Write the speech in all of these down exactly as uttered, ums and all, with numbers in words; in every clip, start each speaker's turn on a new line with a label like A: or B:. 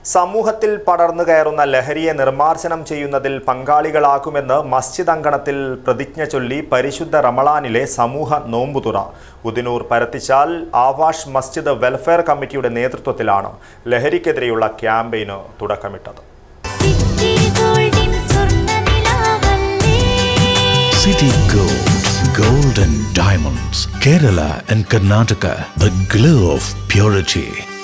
A: സമൂഹത്തിൽ പടർന്നു കയറുന്ന ലഹരിയെ നിർമ്മാർജ്ജനം ചെയ്യുന്നതിൽ പങ്കാളികളാകുമെന്ന് മസ്ജിദ് അങ്കണത്തിൽ പ്രതിജ്ഞ ചൊല്ലി പരിശുദ്ധ റമളാനിലെ സമൂഹ നോമ്പുതുറ. ഉദിനൂർ പരത്തിച്ചാൽ ആവാഷ് മസ്ജിദ് വെൽഫെയർ കമ്മിറ്റിയുടെ നേതൃത്വത്തിലാണ് ലഹരിക്കെതിരെയുള്ള ക്യാമ്പയിന് തുടക്കമിട്ടത്.
B: City Gold, Gold and Diamonds, Kerala and Karnataka, the glow of purity.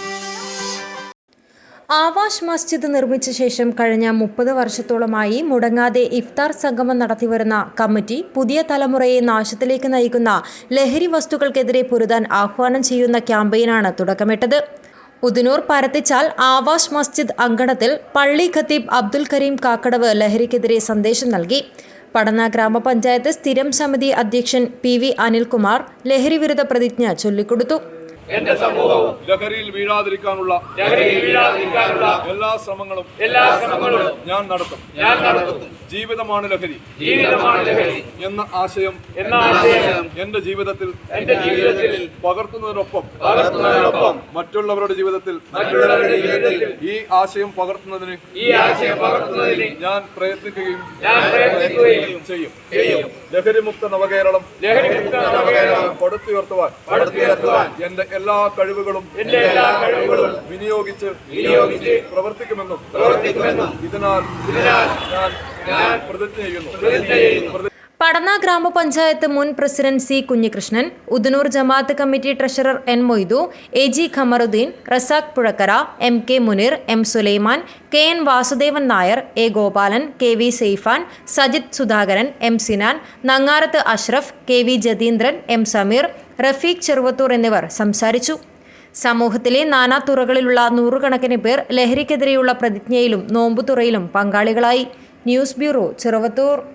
C: ആവാഷ് മസ്ജിദ് നിർമ്മിച്ച ശേഷം കഴിഞ്ഞ മുപ്പത് വർഷത്തോളമായി മുടങ്ങാതെ ഇഫ്താർ സംഗമം നടത്തിവരുന്ന കമ്മിറ്റി പുതിയ തലമുറയെ നാശത്തിലേക്ക് നയിക്കുന്ന ലഹരി വസ്തുക്കൾക്കെതിരെ പൊരുതാൻ ആഹ്വാനം ചെയ്യുന്ന ക്യാമ്പയിനാണ് തുടക്കമിട്ടത്. ഉദിനൂർ പരത്തിച്ചാൽ ആവാഷ് മസ്ജിദ് അങ്കണത്തിൽ പള്ളി ഖത്തീബ് അബ്ദുൽ കരീം കാക്കടവ് ലഹരിക്കെതിരെ സന്ദേശം നൽകി. പടന്ന ഗ്രാമപഞ്ചായത്ത് സ്ഥിരം സമിതി അധ്യക്ഷൻ പി വി അനിൽകുമാർ ലഹരി വിരുദ്ധ പ്രതിജ്ഞ ചൊല്ലിക്കൊടുത്തു.
D: എന്റെ സമൂഹവും ലഹരിയിൽ വീഴാതിരിക്കാനുള്ള എല്ലാ ശ്രമങ്ങളും എല്ലാ ശ്രമങ്ങളും ഞാൻ നടത്തും ഞാൻ നടത്തും ജീവിതമാണ് ലഹരി ജീവിതമാണ് ലഹരി എന്ന ആശയം എന്ന ആശയം എന്റെ ജീവിതത്തിൽ എന്റെ ജീവിതത്തിൽ പകർത്തുന്നതിനൊപ്പം പകർത്തുന്നതിനൊപ്പം മറ്റുള്ളവരുടെ ജീവിതത്തിൽ മറ്റുള്ളവരുടെ ജീവിതത്തിൽ ഈ ആശയം പകർത്തുന്നതിന് ഈ ആശയം പകർത്തുന്നതിന് ഞാൻ പ്രയത്നിക്കുകയും ഞാൻ പ്രയത്നിക്കുകയും ചെയ്യും ചെയ്യും ലഹരിമുക്ത നവകേരളം ലഹരിമുക്ത നവകേരളം പടുത്തുയർത്തുവാൻ പടുത്തുയർത്തുവാൻ എന്റെ എല്ലാ കഴിവുകളും എന്റെ എല്ലാ കഴിവുകളും വിനിയോഗിച്ച് വിനിയോഗിച്ച് പ്രവർത്തിക്കുമെന്നും പ്രവർത്തിക്കുമെന്നും ഇതിനാൽ ഇതിനാൽ ഞാൻ ഞാൻ പ്രതിജ്ഞ ചെയ്യുന്നു.
C: പടന്ന ഗ്രാമപഞ്ചായത്ത് മുൻ president C Kunhikrishnan, Udinur Jamaat committee treasurer N Moidu, A G Qamaruddin, Razak Puzhakkara, M K Muneer, M Sulaiman, K N Vasudevan Nair, A Gopalan, K V Saifan, Sajith Sudhakaran, M Sinan, Nangarath Ashraf, K V Jatheendran, M Sameer, Rafeeq Cheruvathur എന്നിവർ സംസാരിച്ചു. സമൂഹത്തിലെ നാനാ തുറകളിലുള്ള നൂറുകണക്കിന് പേർ ലഹരിക്കെതിരെയുള്ള പ്രതിജ്ഞയിലും നോമ്പുതുറയിലും പങ്കാളികളായി. News bureau, Cheruvathur.